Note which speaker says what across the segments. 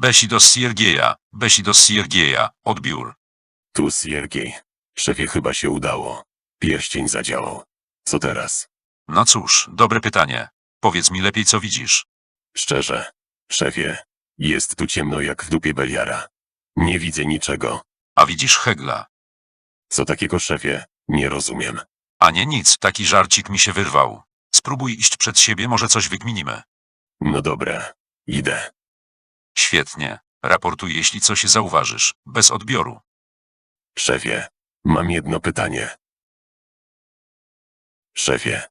Speaker 1: Besi do Siergieja, odbiór.
Speaker 2: Tu Siergiej. Szefie, chyba się udało. Pierścień zadziałał. Co teraz?
Speaker 1: No cóż, dobre pytanie. Powiedz mi lepiej, co widzisz.
Speaker 2: Szczerze. Szefie, jest tu ciemno jak w dupie Beliara. Nie widzę niczego.
Speaker 1: A widzisz Hegla.
Speaker 2: Co takiego, szefie? Nie rozumiem.
Speaker 1: A nie nic, taki żarcik mi się wyrwał. Spróbuj iść przed siebie, może coś wykminimy.
Speaker 2: No dobra, idę.
Speaker 1: Świetnie. Raportuj, jeśli coś zauważysz. Bez odbioru.
Speaker 2: Szefie, mam jedno pytanie. Szefie.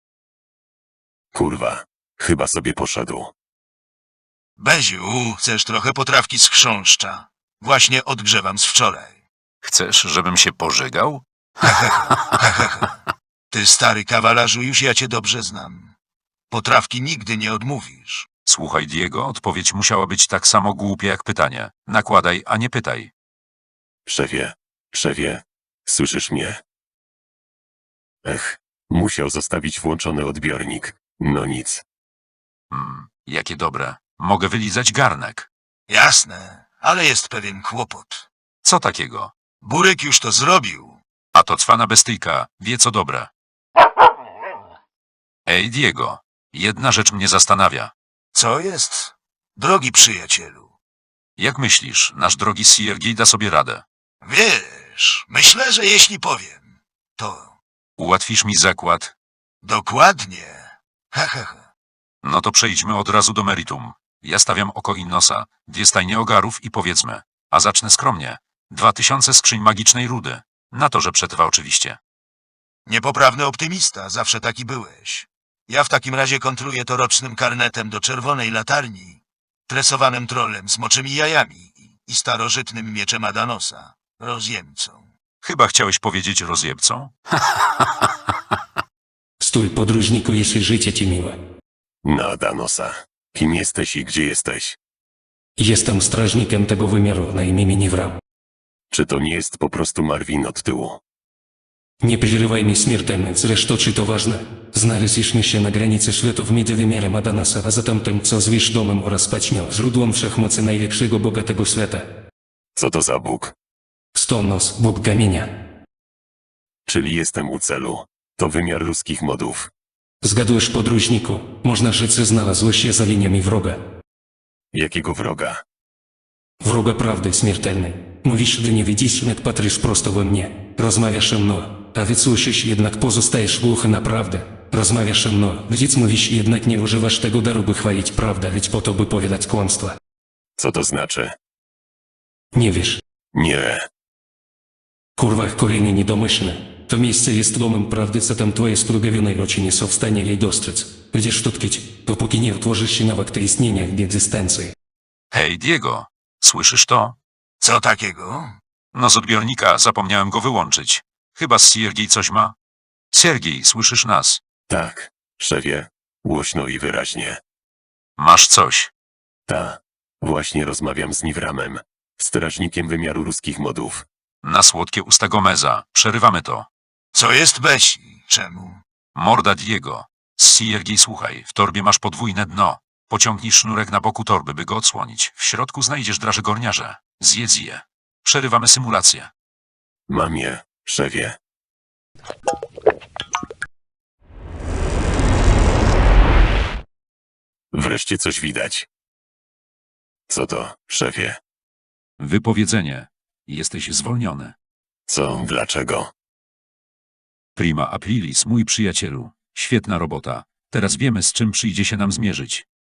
Speaker 2: Kurwa, chyba sobie poszedł.
Speaker 3: Beziu, chcesz trochę potrawki z chrząszcza? Właśnie odgrzewam z wczoraj.
Speaker 1: Chcesz, żebym się pożygał?
Speaker 3: Ty stary kawalarzu, już ja cię dobrze znam. Potrawki nigdy nie odmówisz.
Speaker 1: Słuchaj, Diego, odpowiedź musiała być tak samo głupia jak pytanie. Nakładaj, a nie pytaj.
Speaker 2: Szefie, słyszysz mnie? Musiał zostawić włączony odbiornik. No nic.
Speaker 1: Jakie dobre. Mogę wylizać garnek.
Speaker 3: Jasne, ale jest pewien kłopot.
Speaker 1: Co takiego?
Speaker 3: Burek już to zrobił.
Speaker 1: A to cwana bestyjka, wie co dobre. Ej, Diego, jedna rzecz mnie zastanawia.
Speaker 3: Co jest? Drogi przyjacielu.
Speaker 1: Jak myślisz, nasz drogi Siergiej da sobie radę?
Speaker 3: Wiesz, myślę, że jeśli powiem, to
Speaker 1: Ułatwisz mi zakład?
Speaker 3: dokładnie.
Speaker 1: No to przejdźmy od razu do meritum. Ja stawiam oko i nosa, 2 stajnie ogarów i powiedzmy, a zacznę skromnie, 2000 skrzyń magicznej rudy. Na to, że przetrwa oczywiście.
Speaker 3: Niepoprawny optymista, zawsze taki byłeś. Ja w takim razie kontruję to rocznym karnetem do czerwonej latarni, tresowanym trolem z moczymi jajami i starożytnym mieczem Adanosa, rozjemcą.
Speaker 1: Chyba chciałeś powiedzieć rozjebcą?
Speaker 4: Stój, podróżniku, jeśli życie ci miłe.
Speaker 2: Na Danosa. Kim jesteś i gdzie jesteś?
Speaker 4: Jestem strażnikiem tego wymiaru na imię Niwra.
Speaker 2: Czy to nie jest po prostu Marvin od tyłu?
Speaker 4: Nie przerywaj mi śmiertelny, zresztą czy to ważne? Znaleźliśmy się na granicy światów między wymiarem Adanasa, a zatem tym, co zwiesz domem oraz paćmią, źródłem wszechmocy najlepszego boga tego świata.
Speaker 2: Co to za Bóg?
Speaker 4: Stonos, bóg kamienia.
Speaker 2: Czyli jestem u celu. To wymiar ruskich modów.
Speaker 4: Zgadujesz, podróżniku, można rzec, że znalazłeś się za liniami wroga.
Speaker 2: Jakiego wroga?
Speaker 4: Wroga prawdy śmiertelnej. Mówisz, że nie widzisz, jak patrzysz prosto we mnie. Rozmawiasz ze mną, a więc słyszysz, jednak pozostajesz głuchy na prawdę. Rozmawiasz ze mną, więc mówisz, jednak nie używasz tego daru, by chwalić prawdę, lecz po to, by powiadać kłamstwa.
Speaker 2: Co to znaczy?
Speaker 4: Nie wiesz.
Speaker 2: Nie.
Speaker 4: Kurwa, kolejny niedomyślny. To miejsce jest domem prawdy, co tam twoje splugawionej oczy nie są w stanie jej dostrzec. Będziesz tu tkwić, dopóki nie otworzysz się na akty istnienia w egzystencji.
Speaker 1: Hej, Diego, słyszysz to?
Speaker 3: Co takiego?
Speaker 1: No z odbiornika zapomniałem go wyłączyć. Chyba Siergiej coś ma? Siergiej, słyszysz nas?
Speaker 2: Tak, szefie. Głośno i wyraźnie.
Speaker 1: Masz coś.
Speaker 2: Ta. Właśnie rozmawiam z Niwramem. Strażnikiem wymiaru ruskich modów.
Speaker 1: Na słodkie usta Gomeza. Przerywamy to.
Speaker 3: Co jest Besi? Czemu?
Speaker 1: Morda Diego. Siergiej, słuchaj, w torbie masz podwójne dno. Pociągnij sznurek na boku torby, by go odsłonić. W środku znajdziesz draże gorniarze. Zjedz je. Przerywamy symulację.
Speaker 2: Mam je, szefie. Wreszcie coś widać. Co to, szefie?
Speaker 1: Wypowiedzenie. Jesteś zwolniony.
Speaker 2: Co, dlaczego?
Speaker 1: Prima aprilis, mój przyjacielu. Świetna robota. Teraz wiemy, z czym przyjdzie się nam zmierzyć.